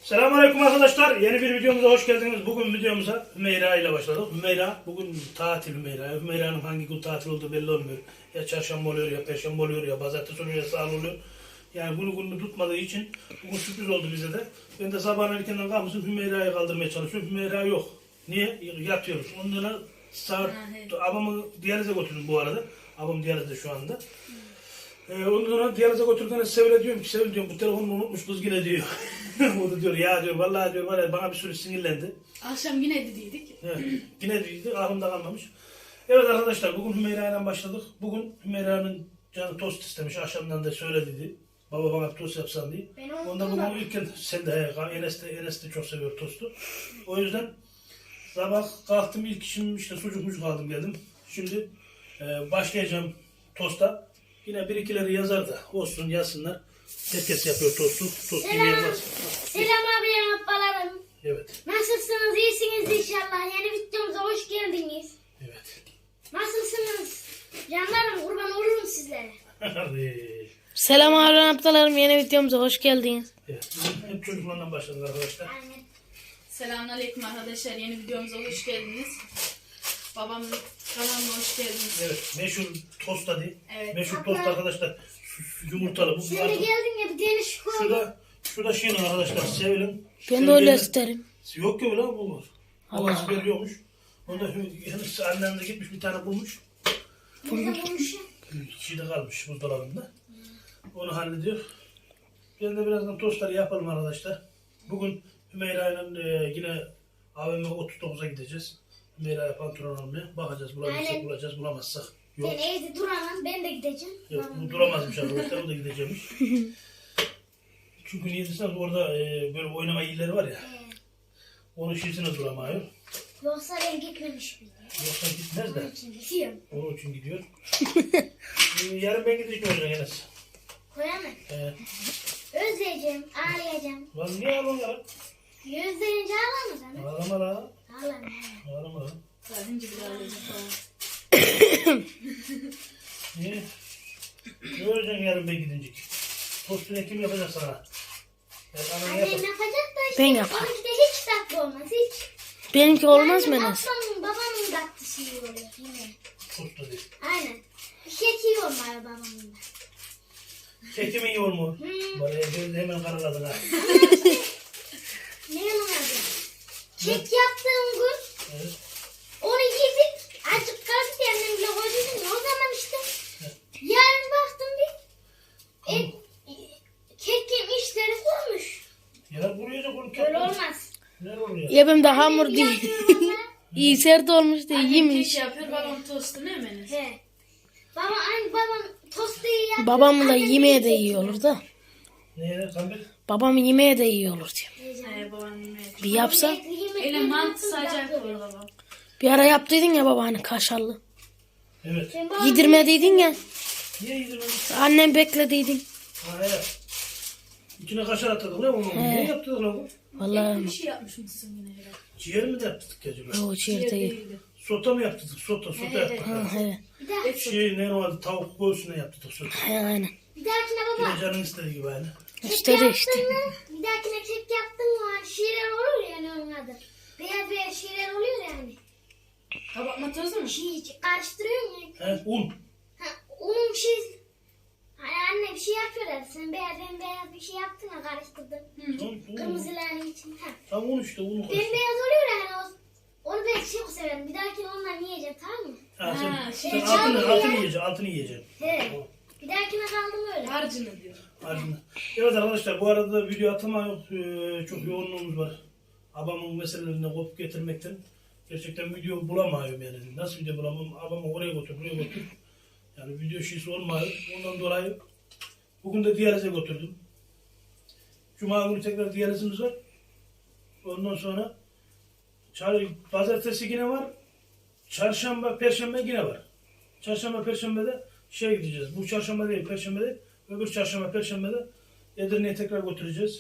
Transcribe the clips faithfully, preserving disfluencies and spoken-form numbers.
Selamünaleyküm arkadaşlar. Yeni bir videomuza hoş geldiniz. Bugün videomuza Hümeyra ile başladık. Hümeyra bugün tatil Hümeyra. Hümeyra'nın hangi gün tatil olduğu belli olmuyor. Ya çarşamba oluyor ya perşembe oluyor ya pazartesi oluyor ya salı oluyor. Yani bunu gününü tutmadığı için bugün sürpriz oldu bize de. Ben de sabahın erkenden kalmışım Hümeyra'yı kaldırmaya çalışıyorum. Hümeyra yok. Niye? Yatıyoruz. Ondan saat abamı diyalize götürdüm bu arada. Abam diyalizde şu anda. Ee, ondan sonra diyalize götürdüğünde Sevil'e diyorum ki Sevil diyorum bu telefonunu unutmuş kız yine diyor. O da diyor ya diyor vallahi diyor var ya bana bir sürü sinirlendi. Akşam yine dediydik. Evet, yine dediydik aklımda kalmamış. Evet arkadaşlar bugün Hümeyra ile başladık. Bugün Hümeyra'nın canı tost istemiş. Akşamdan da söylediydi. Baba bana tost yapsan diye. Ondan bugün ilk sen de Enes de, Enes de çok seviyor tostu. O yüzden sabah kalktım ilk işim işte sucukmuş kaldım geldim. Şimdi e, başlayacağım tosta. Yine bir ikileri yazar da olsun yazsınlar. Herkes yapıyor tostu. Tost yemeyen var. Selam abi ablalarım. Evet. Nasılsınız? İyisiniz inşallah. Yeni videomuza hoş geldiniz. Evet. Nasılsınız? Canlarım kurban olurum sizlere. Hadi. Selam ablalarım, yeni videomuza hoş geldiniz. Evet. Hep çocuklarla başladık arkadaşlar. Aynen. Selamünaleyküm arkadaşlar. Yeni videomuza hoş geldiniz. Babamın kanalına hoş geldiniz. Evet. Meşhur tost hadi. Evet. Meşhur tost arkadaşlar. Şu- Yumurtalı. Bu Sen de artık- geldin ya bir değişik oldu. Şurada, şurada şeyin arkadaşlar Sevil'in. Ben de öyle isterim. Yok ki lan bu var. Allah. Allah veriyormuş. Onda henüz annem de gitmiş bir tane bulmuş. Burada konuşuyor. Şeyde kalmış buzdolabında. Onu hallediyor. Ben de birazdan tostları yapalım arkadaşlar. Bugün Hümeyra ile e, yine A V M otuz dokuza gideceğiz. Hümeyra'ya pantolon almaya. Bakacağız bulabilirsek Aynen. bulacağız bulamazsak. Yok. Sen evde duramam. Ben de gideceğim. Yok Babam bu da- duramazmış arkadaşlar o da gideceğimiş. Çünkü niye desem orada e, böyle oynama yerleri var ya. Ee, Onun şişine duramıyor. Yoksa ben gitmemiş miydim? Yoksa gitmez de. Onun için gidiyorum. Onun için gidiyor. e, yarın ben gideceğim olacak Enes. Koyamam. E, Özleyeceğim. Ağlayacağım. lan niye ağlıyorsun ya? Gözlerince ağlamadan. ha? Ağlama la. Ağlama. Ağlama la. Sadece bir arayacak falan. Niye? Ne olacaksın yarın ben gidince? Tostunu kim yapacak sana? Yani anan Annem yapar. yapacak da işte. Ben yaparım. Onunki de hiç tatlı olmaz. Hiç. Benimki olmaz mı Yani Enes? Ablamın babamın tatlı şeyi oluyor yine. Tostu değil. Aynen. Kek iyi olmalı babamın da. Kekim iyi olmuyor. Hmm. Bana gözde hemen karaladın ha. Ne onun adı? Kek yaptığım gün Evet. onu yedik. Azıcık kaldı diye annem bile koydum. O zaman işte yarın baktım bir e, e, kekin işleri kurmuş. Ya buraya da bunu kek. Öyle olmaz. Ne oluyor? Ya benim de hamur değil. Yapıyorum ama. İyi sert olmuş değil, Annem yemiş. kek yapıyor, babam tostu ne mi? He. Baba aynı babam tostu iyi yapıyor. Babamın da Annem yemeğe de iyi iyi olur da. Neye Samet? Babamın yemeğe de iyi olur diyor. çekiyor. Ee, babam yemeğe. Bir yapsa. Öyle mantı sadece yapıyor babam. Bir ara yaptıydın ya baba hani kaşarlı. Evet. Yedirmediydin ya. Niye yedirmedin? Annem beklediydin. Ha evet. İçine kaşar attık lan onu. Niye yaptık lan bu? Vallahi Bir şey yapmış mısın yine herhalde? Ciğer mi de yaptık acaba? o ciğer değil. Sota mı yaptık? Sota, sota Evet, yaptık. Ha, he. Bir, daha, Şey ne vardı? Tavuk göğsüne yaptık sota. He, aynen. bir dahakine baba. Yine canın istediği gibi aynı. İşte de işte. Yaptın mı? Bir dahakine kek yaptın mı? Hani şiirler olur ya ne onun adı. Beyaz beyaz şiirler oluyor ya hani. Kabartma tozu mu? Şey karıştırıyorsun ya. He un. Ha, onun bir şey... Hani anne bir şey yapıyor ya. Sen beyaz ben beyaz bir şey yaptın ya karıştırdın. Un, un. Kırmızıların için. Ha. Tam un işte unu Ben koy. beyaz oluyor ya hani o... Onu ben çok severim. Bir dahakine ondan yiyeceğim tamam mı? Ha, sen, Ha, sen şey, altını, çalmıyor altını ya. yiyeceksin, altını yiyeceksin. He. Bir dahakine kaldım öyle. Harcını diyor. Altını. Evet arkadaşlar bu arada da video atama yok. Ee, çok yoğunluğumuz var. Abamın meselelerini kopup getirmekten. Gerçekten video bulamıyorum yani. Nasıl video bulamam? Abamı oraya götür, buraya götür. Yani video şeysi olmuyor. Ondan dolayı bugün de diyalize götürdüm. Cuma günü tekrar diyalizimiz var. Ondan sonra çar- pazartesi yine var. Çarşamba, perşembe yine var. Çarşamba, perşembede şey gideceğiz. Bu çarşamba değil, perşembe değil. Öbür çarşamba, perşembede Edirne'ye tekrar götüreceğiz.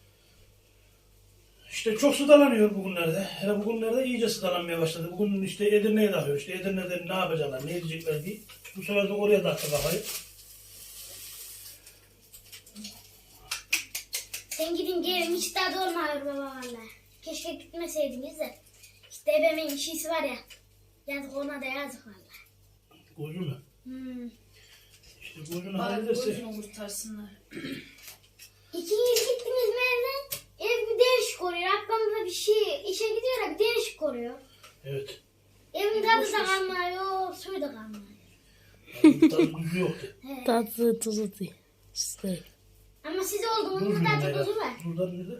İşte çok sıdalanıyor bugünlerde. Hele bugünlerde iyice sıdalanmaya başladı. Bugün işte Edirne'ye dağılıyor. İşte Edirne'de ne yapacaklar, ne edecekler diye. Bu sefer de oraya taktı kafayı. Sen gidin gelin hiç tadı olmuyor baba valla. Keşke gitmeseydiniz de. İşte ebemin işisi var ya. Yazık ona da yazık valla. Koydu mu? Hmm. İşte koyduğunu Bari hallederse. boyunu kurtarsınlar. İkiniz gittiniz mi evden? Ev bir değişik oluyor. Ablam da bir şey işe gidiyor ya bir değişik oluyor. Evet. Evin tadı da kalmıyor, suyu da kalmıyor. Yani tadı tuzu yoktu. He. Tatlı tuzu değil. İşte. Ama siz Dur olduğunuzda şimdi tadı Meral. tuzu var. Durdan nerede?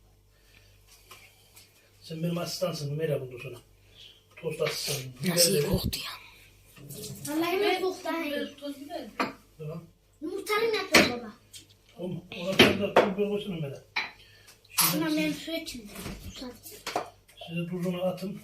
Sen benim asistansın Meral bundan sonra. Tost asistanım. Nasıl Biber iyi de- koktu ya. Vallahi ben çok daha iyi. Biber, toz biber. Tamam. Yumurtanı ne yapıyor baba? O mu? Ona sen de tuz biber koysana Meral. Şimdi Ama siz- benim su içinde. Susadım. size tuzunu atın.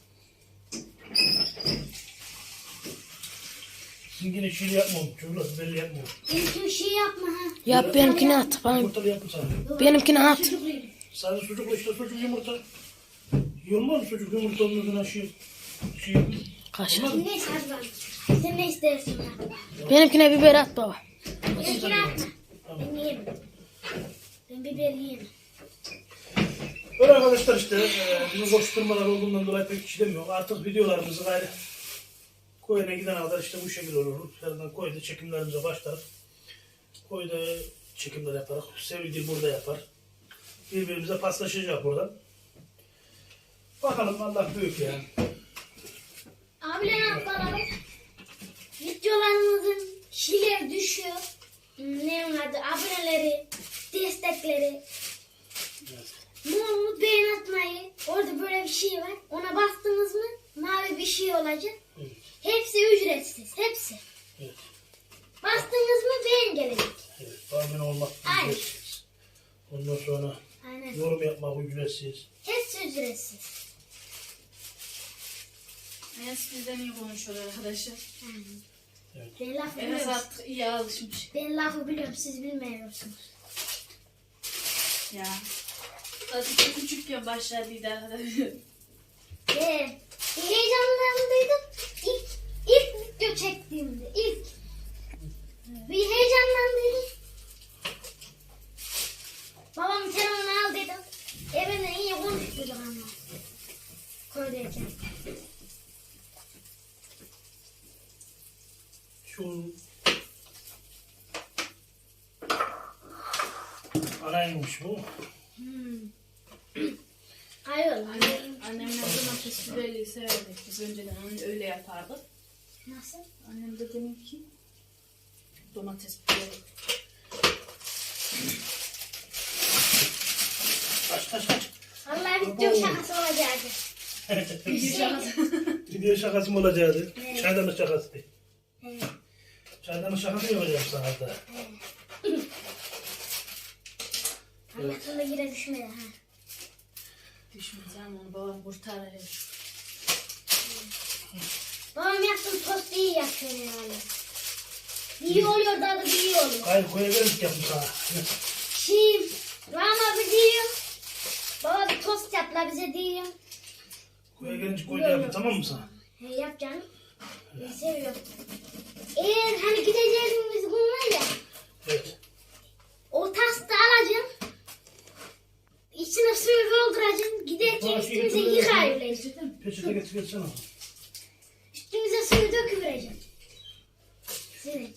Sizin yine şiir yapmam. Çocuklar belli yapmam. Hiçbir şey yapma ha. Yap benimkini at. Bana. Yumurtalı yapın sana. Benimkini at. Çocuk yerim. Sadece sucukla işte sucuk yumurta. Yolmaz mı sucuk yumurta ondan şey? Şey. Kaşar. Olmaz mı? Neyse hadi bak. Sen ne istersin bak. Benimkine biber at baba. Benimkini atma. Tamam. Ben yerim. Ben biber yerim. Böyle arkadaşlar işte e, bizim koşturmalar olduğundan dolayı pek işlemiyor. Artık videolarımızı gayrı koyuna giden kadar işte bu şekilde olur. Herden koyda çekimlerimize başlar. Koyda çekimler yaparak Sevildiği burada yapar. Birbirimize paslaşacak buradan. Bakalım Allah büyük yani. Abiler ablalarım. Videolarımızın şeyleri düşüyor. Ne onun adı? Aboneleri, destekleri. Evet. Mumu beğen atmayı. Orada böyle bir şey var. Ona bastınız mı mavi bir şey olacak. Evet. Hepsi ücretsiz. Hepsi. Evet. Bastınız mı beğen gelecek. Evet. Tahmin olmak Aynen. ücretsiz. Ondan sonra Aynen. yorum yapmak ücretsiz. Hepsi ücretsiz. Enes bizden iyi konuşuyor arkadaşlar. Aynen. Evet. Ben lafı Enes biliyorum. artık iyi alışmış. Ben lafı biliyorum. Siz bilmiyorsunuz. Ya. Zaten küçükken başladıydı arkadaşlar. Ve bir heyecanlandıydım. İlk, ilk video çektiğimde. ilk. Bir heyecanlandıydım. Babam telefonu al dedim. Evine iyi konuştuk ama. Koydayken. Şu anaymış bu. Hmm. Hayır. Annem, annemler domates biberi severdik. Biz önceden onu öyle yapardık. Nasıl? Annem de demek ki domates biberi. Kaç kaç kaç. Vallahi video şakası olacaktı. Video şakası mı olacaktı? Evet. Çaydanlık şakası değil. Evet. Çaydanlık şakası yapacağım sana da. Allah sonra yine düşmedi ha. Düşmeyeceğim onu babam kurtarır. Babam yaptım tost iyi yapıyor herhalde. İyi oluyor daha da iyi oluyor. Hayır koyabiliriz yapmış sana. Şimdi Rama bir diyor. Baba bir tost yap la bize diyor. Koya gelince koyda yapın tamam mı sana? He yap canım. Ben seviyorum. Eğer hani gideceğimiz gün var ya. Evet. O tasta alacağım. İçine suyu dolduracağım. Giderken üstümüze yıkayıvereceğim. Peçete getir gelsene. Üstümüze suyu döküvereceğim. Senin.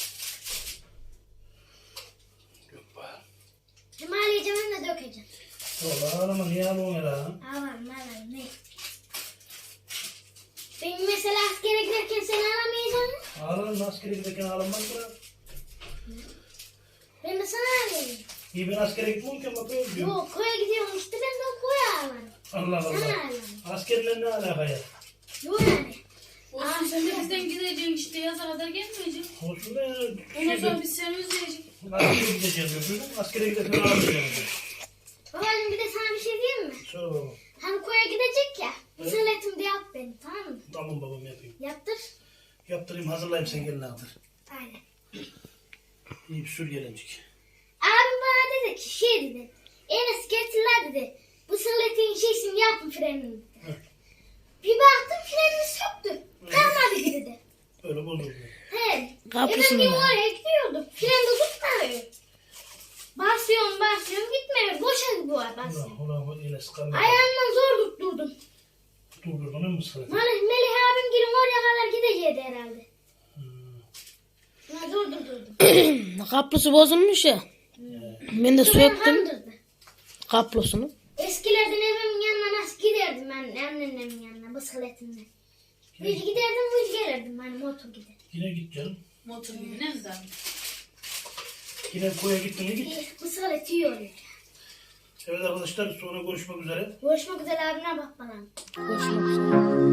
Yok be. Hem ağlayacağım hem de dökeceğim. Valla ağlama niye ağlıyorsun ya? Ağlarım ağlarım ne? Ben mesela askere giderken sen ağlamayacaksın. Ağlarım askere giderken ağlanmaz mı? Ben de sana ağlayayım. İyi ben askere gitmem ki ama böyle diyorum. Yok koya gidiyorum işte ben de o koya ağlarım. Allah Sana Allah. ağlarım. Askerle ne alaka ya? Yok yani. Olsun sen de bizden gideceksin işte yaza kadar gelmeyeceksin. Olsun da ya. Ondan sonra Şeyde, biz seni özleyeceğiz. askere gideceğiz diyor. Askere giderken ağlamayacağım diyor. Babacığım bir de sana bir şey diyeyim mi? Söyle babam. Hani koya gidecek ya. Mısırletim de yap beni tamam mı? Tamam babam yapayım. Yaptır. Yaptırayım hazırlayayım sen gelin aldır. Aynen. İyi bir sür gelincik. Abim bana dedi ki şey dedi. Enes getirler dedi. Bu sırletin şeysini yapın frenini. Hı. Bir baktım frenini söktü. Kalmadı dedi. Öyle bozuldu. He. Kapısını Efendim mı? oraya gidiyordum. Freni de tutmuyor. Basıyorum basıyorum gitmiyor. Asya. Ulan ulan yine sıkanlar. Ayağımdan zor tutturdum. Durdurdun mu sıra? Melih, Melih abim gelin oraya kadar gideceğiydi herhalde. Şuna zor durdurdum. Kaplısı bozulmuş ya. Ben de söktüm Kandırdı. kaplosunu. Eskilerden evimin yanına nasıl giderdim ben anneannemin yanına bisikletimle. Hiç giderdim hiç gelirdim hani motor gider. Yine git canım. Motor yine mi zaten? Yine koya gittin mi git. Bisiklet iyi oluyor. Evet arkadaşlar sonra görüşmek üzere. Görüşmek üzere abine bak bana. Görüşmek üzere.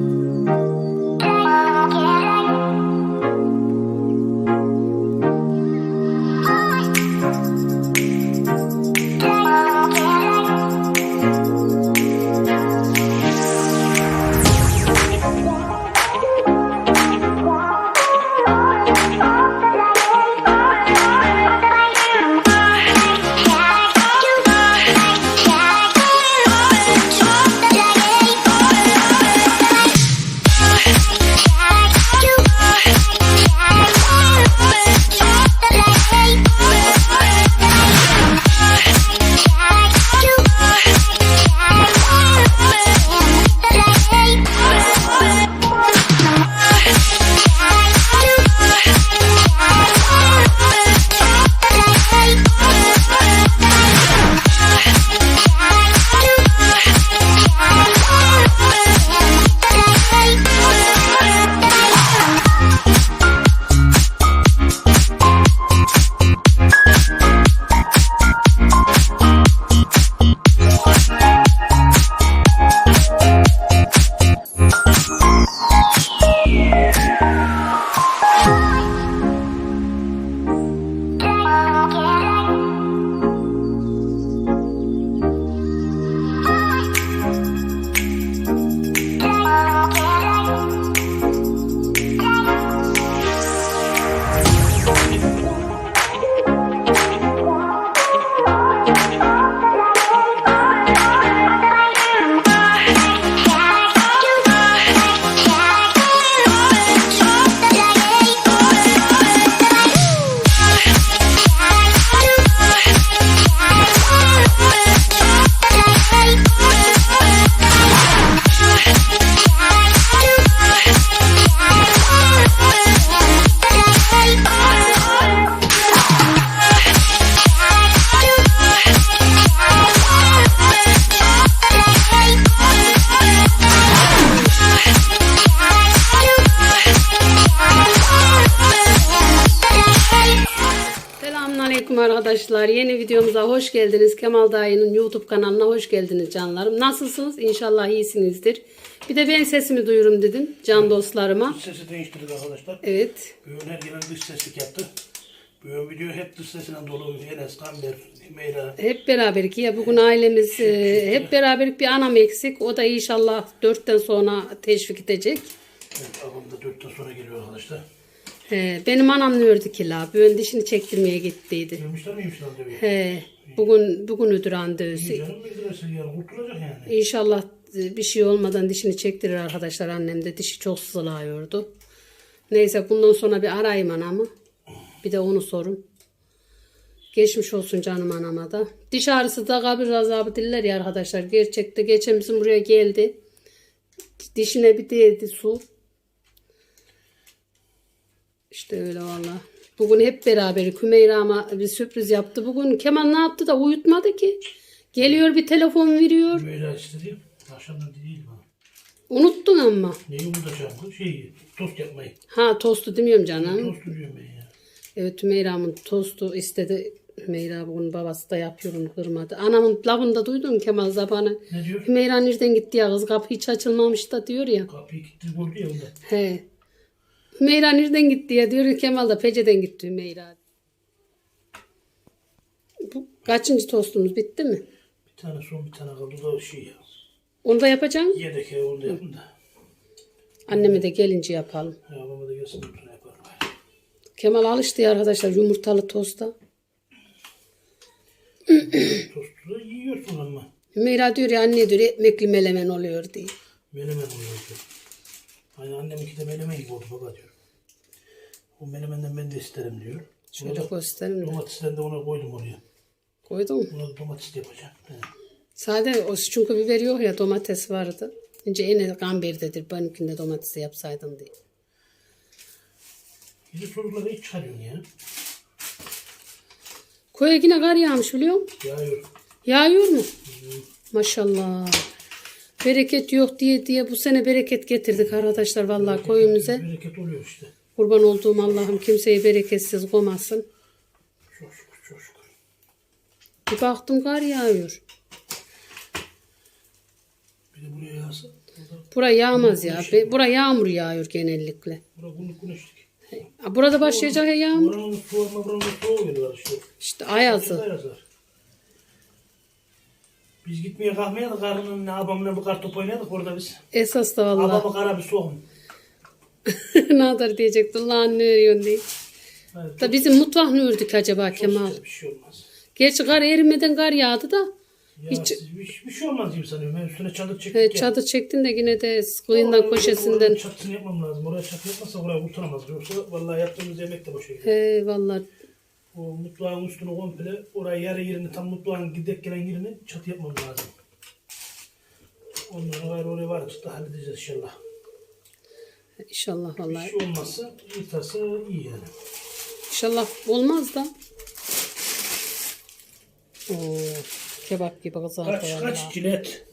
Selamünaleyküm arkadaşlar. Yeni videomuza hoş geldiniz. Kemal Dayı'nın YouTube kanalına hoş geldiniz canlarım. Nasılsınız? İnşallah iyisinizdir. Bir de ben sesimi duyurum dedim can dostlarıma. Dış sesi değiştirdik arkadaşlar. Evet. Bugün her gelen dış seslik yaptı. Bugün video hep dış sesinden dolu. Enes, Kamber, Meyra. Hep beraberlik ya. Bugün ailemiz e, hep beraberlik bir anam eksik. O da inşallah dörtten sonra teşvik edecek. Evet, abim da dörtten sonra geliyor arkadaşlar. He, benim anam ne ördü ki la? Ben dişini çektirmeye gittiydi. Görmüşler miymiş lan tabii? He, bugün bugün ödür randevusu. İyi canım bildiresi yani kurtulacak yani. İnşallah bir şey olmadan dişini çektirir arkadaşlar. Annem de dişi çok sızlıyordu. Neyse bundan sonra bir arayayım anamı. Bir de onu sorun. Geçmiş olsun canım anama da. Diş ağrısı da kabir azabı diller ya arkadaşlar. Gerçekte geçen bizim buraya geldi. Dişine bir değdi su. İşte öyle valla. Bugün hep beraber Hümeyra ama bir sürpriz yaptı. Bugün Kemal ne yaptı da uyutmadı ki. Geliyor bir telefon veriyor. Meyra istedi. Akşamdan değil bana. Unuttun ama. Neyi unutacağım? Şeyi, tost yapmayı. Ha tostu demiyorum canım. Tost diyorum ben ya. Evet Hümeyra'mın tostu istedi. Hümeyra bugün babası da yapıyor onu kırmadı. Anamın lafını da duydun Kemal Zaban'ı. Ne diyor? Hümeyra nereden gitti ya kız kapı hiç açılmamış da diyor ya. Kapıyı kilitli koydu ya onda. He. Hümeyra nereden gitti ya diyor Kemal da Pece'den gitti Hümeyra. Bu kaçıncı tostumuz bitti mi? Bir tane son bir tane kaldı da şey ya. Onu da yapacağım. Yedek ya onu da yapın da. Anneme de gelince yapalım. Ya babama da gelsin bunu yaparım. Kemal alıştı ya arkadaşlar yumurtalı tosta. Tostu da yiyorsun ama. Hümeyra diyor ya anne diyor ekmekli melemen oluyor diye. Menemen oluyor diyor. Hani anneminki de menemen gibi oldu baba diyor. O menemenden ben de isterim diyor. Şöyle gösterin mi? Domatesden de ona koydum oraya. Koydun mu? Ona da domates de yapacağım. He. Sade o çünkü biber yok ya, domates vardı. Önce en gamberdedir. Benimkinde domatesi yapsaydın diye. Bizi çocukları hiç çıkarıyorsun ya. Koya yine kar yağmış biliyor musun? Yağıyor. Yağıyor mu? Maşallah. Bereket yok diye diye bu sene bereket getirdik arkadaşlar vallahi koyumuza. Bereket oluyor işte. Kurban olduğum Allah'ım kimseyi bereketsiz koymasın. Çok şükür, çok şükür. Bir baktım kar yağıyor. Bir de buraya yağsa. Bura yağmaz ya. Be- Bura yağmur yağıyor genellikle. Burada günlük güneşlik. Ha, burada başlayacak ya yağmur. Buranın soğuma, buranın soğuğu geliyor işte. İşte ayazı. Ayaz var. Biz gitmeye kalkmayalım. Karının ne abamla bu kar top oynadık orada biz. Esas da vallahi. Abamı kara bir soğum. Ne kadar diyecektin lan ne örüyorsun diye. Evet, Da bizim mutfak ne ördük acaba Kemal? çok bir şey olmaz. Gerçi kar erimeden kar yağdı da. Ya Hiç- siz bir, bir şey olmaz gibi sanıyorum. Ben üstüne çadır çektik He, ya. çadır çektin de yine de kıyından Oraya- köşesinden. Oranın çatısını yapmam lazım. Oraya çatı yapmazsa oraya kurtaramaz. Yoksa vallahi yaptığımız yemek de boşa gidiyor. He vallahi. O mutfağın üstünü komple oraya yarı yerini tam mutfağın gidek gelen yerini çatı yapmam lazım. Onları gayrı oraya varıp da halledeceğiz inşallah. İnşallah Bir vallahi. şey olmazsa yırtarsa iyi yani. İnşallah olmaz da. Oo, kebap gibi kızardı Kaç vallahi. kaç cilet.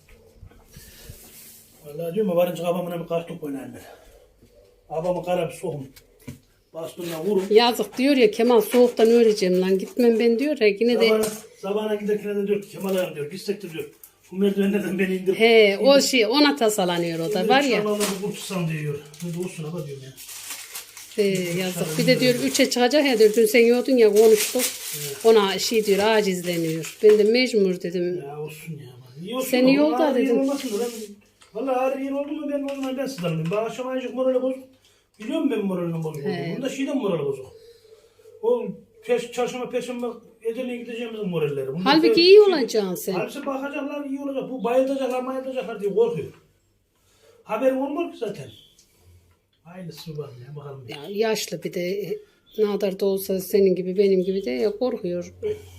Vallahi diyorum ya varınca babamla bir kartop oynayayım ben. Babamı kara bir soğum. Bastığından vurup. Yazık diyor ya Kemal soğuktan öleceğim lan gitmem ben diyor ya yine de. Sabahına, sabahına giderken de diyor ki Kemal ağam diyor gitsek de diyor. Bu merdivenlerden beni indir. He o şey ona tasalanıyor o da var ya. İnşallah da kurtulsam diyor. Ne de olsun ama diyorum ya. He, yazık. Bir de diyor üçe çıkacak ya diyor. Dün sen yordun ya konuştuk. Ona şey diyor acizleniyor. Ben de mecbur dedim. Ya olsun ya. İyi olsun. Sen iyi Vallahi ol da ağır yer dedim. olmasın da ben- Vallahi ağır yer oldu mu ben o zaman ben sızlanıyorum. Ben akşam ayıcık morali bozuk. Biliyorum ben moralinin bozuk olduğunu. Bunda şeyden morali bozuk. O peş, çarşamba, perşembe Edirne'ye gideceğimizin moralleri. Bunda Halbuki pe- iyi olacaksın sen. Halbuki bakacaklar iyi olacak. Bu bayılacaklar bayılacaklar diye korkuyor. Haberim olmuyor ki zaten. Hayırlısı var ya bakalım. Ya, yaşlı bir de e, ne kadar da olsa senin gibi benim gibi de ya korkuyor.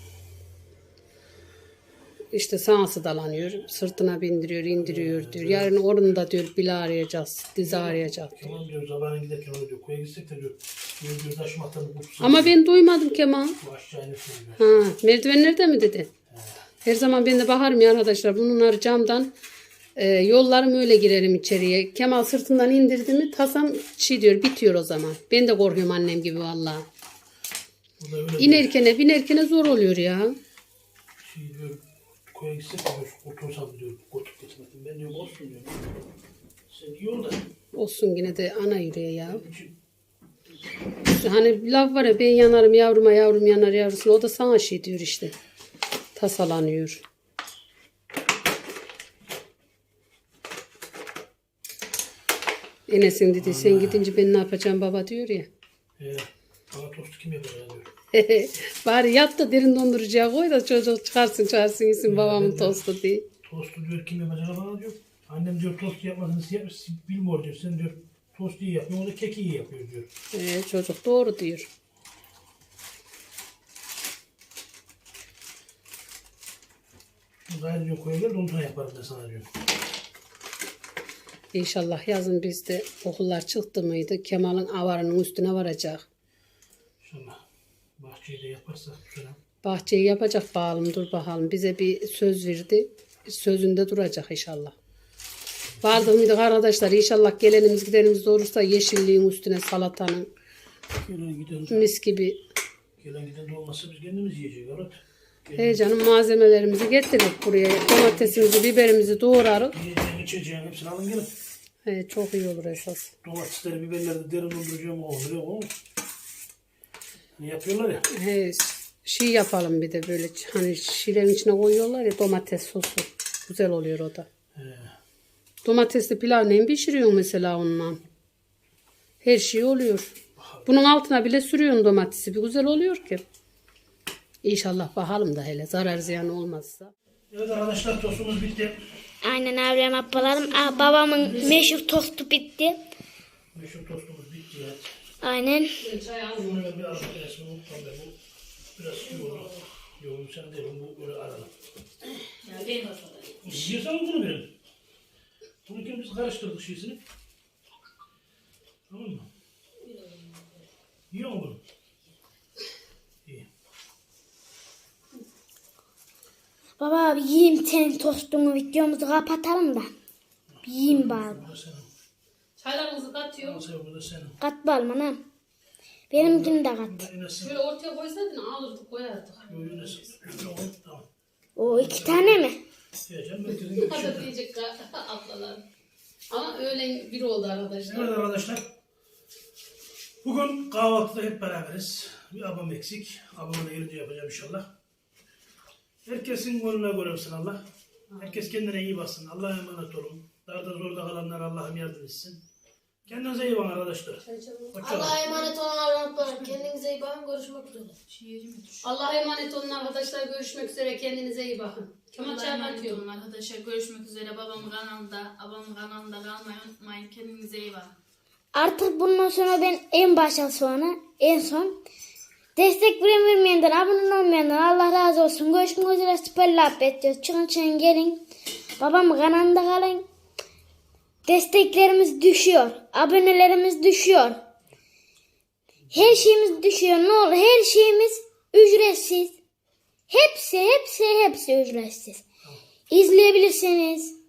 İşte sağa dalanıyor, sırtına bindiriyor, indiriyor diyor. Yarın onu da diyor bil arayacağız, dizi arayacak diyor. Tamam diyor sabahına giderken öyle diyor. Koya gitsek de diyor. Diyor diyor taşım atanı kurtulsun. Ama ben duymadım Kemal. Bu aşağı inersin diyor. Ha, merdivenlerde mi dedi? Her zaman ben de bakarım ya arkadaşlar. Bunlar camdan e, yollarım öyle girerim içeriye. Kemal sırtından indirdi mi tasam şey diyor bitiyor o zaman. Ben de korkuyorum annem gibi vallahi. Bu da öyle diyor. İnerkene binerkene zor oluyor ya. Şey diyor. Koya gitsek de diyor. Kurtulsam diyor. Kurtup getirmedim. Ben diyor olsun diyor. Sen iyi ol da. Olsun yine de ana yüreği ya. için Hani laf var ya ben yanarım yavruma yavrum yanar yavrusuna. O da sana şey diyor işte. Tasalanıyor. Enes'in dedi sen gidince ben ne yapacağım baba diyor ya. He. Bana tostu kim yapar ya diyor. Bari yat da derin dondurucuya koy da çocuk çıkarsın çağırsın yesin babamın tostu diye. Tostu diyor kim yapacak bana diyor. Annem diyor tost yapmasını siz yapmış, bilmiyor diyor. Sen diyor tost iyi yapıyor. O da keki iyi yapıyor diyor. Ee, çocuk doğru diyor. Gayrı diyor koya gel de ondan yaparım ben sana diyor. İnşallah yazın bizde okullar çıktı mıydı Kemal'in avarının üstüne varacak. İnşallah bahçeyi de yaparsak bu sene. Bahçeyi yapacak bakalım dur bakalım. Bize bir söz verdi. Sözünde duracak inşallah. Vardık mıydık arkadaşlar inşallah gelenimiz gidenimiz de olursa yeşilliğin üstüne salatanın Gelen giden, mis gibi. gelen giden de olmazsa biz kendimiz yiyeceğiz. Evet. He canım malzemelerimizi getirdik buraya. Domatesimizi biberimizi doğrarız. Yiyeceğin içeceğin hepsini alın gelin. He, çok iyi olur esas. Domatesleri biberleri de derin dolduracağım o oluyor o. Ne yapıyorlar ya. He, şey yapalım bir de böyle hani şilerin içine koyuyorlar ya domates sosu. Güzel oluyor o da. He. Domatesli pilav neyin pişiriyorsun mesela onunla? Her şey oluyor. Bunun altına bile sürüyorsun domatesi. Bir güzel oluyor ki. İnşallah bakalım da hele zarar ziyan olmazsa. Evet arkadaşlar tostumuz bitti. Aynen abim ablalarım. Aa, babamın meşhur tostu bitti. Meşhur tostumuz bitti ya. Aynen. Bunu ben bir arada resmini unuttum ben. Bu biraz iyi oldu. Yok sen değil, bu böyle aralım. Ya ben Yiyorsan bunu verin. Bunu kim biz karıştırdık şeysini. Tamam mı? Yiyor mu bunu? İyi. Baba abi yiyeyim senin tostunu, videomuzu kapatalım da. Bir yiyeyim bari. Bu da senin. Çaylarınızı katıyorum. Al bu da senin. Kat balım anam. Benimkini de kat. Bu da yine senin. Şöyle ortaya koysaydın alırdık koyardık. Bu yine senin. Şöyle koy, tamam. O iki tane mi? Yiyeceğim. Herkesin gibi Hadi şey. diyecek ablalar. Ama öğlen bir oldu arkadaşlar. Evet arkadaşlar. Bugün kahvaltıda hep beraberiz. Bir abam eksik. Abamla gelince yapacağım inşallah. Herkesin gönlüne göre olsun Allah. Herkes kendine iyi baksın. Allah'a emanet olun. Darda zorda kalanlar Allah'ım yardım etsin. Kendinize iyi bakın arkadaşlar. Hoşça Allah'a emanet olun Allah'ım. Kendinize iyi bakın. Görüşmek üzere. şiirimi düş. Allah'a emanet olun arkadaşlar. Görüşmek üzere. Kendinize iyi bakın. Kemal Allah'a çay emanet atıyorum. olun arkadaşlar. Görüşmek üzere. Babamın kanalında, abamın kanalında kalmayı unutmayın. Kendinize iyi bakın. Artık bundan sonra ben en başa sonra en son destek veren vermeyenden, abone olmayandan Allah razı olsun. Görüşmek üzere. Süper laf ediyoruz. Çıkın çıkın gelin. Babamın kanalında kalın. Desteklerimiz düşüyor. Abonelerimiz düşüyor. Her şeyimiz düşüyor. Ne olur her şeyimiz ücretsiz. Hepsi hepsi hepsi ücretsiz. İzleyebilirsiniz.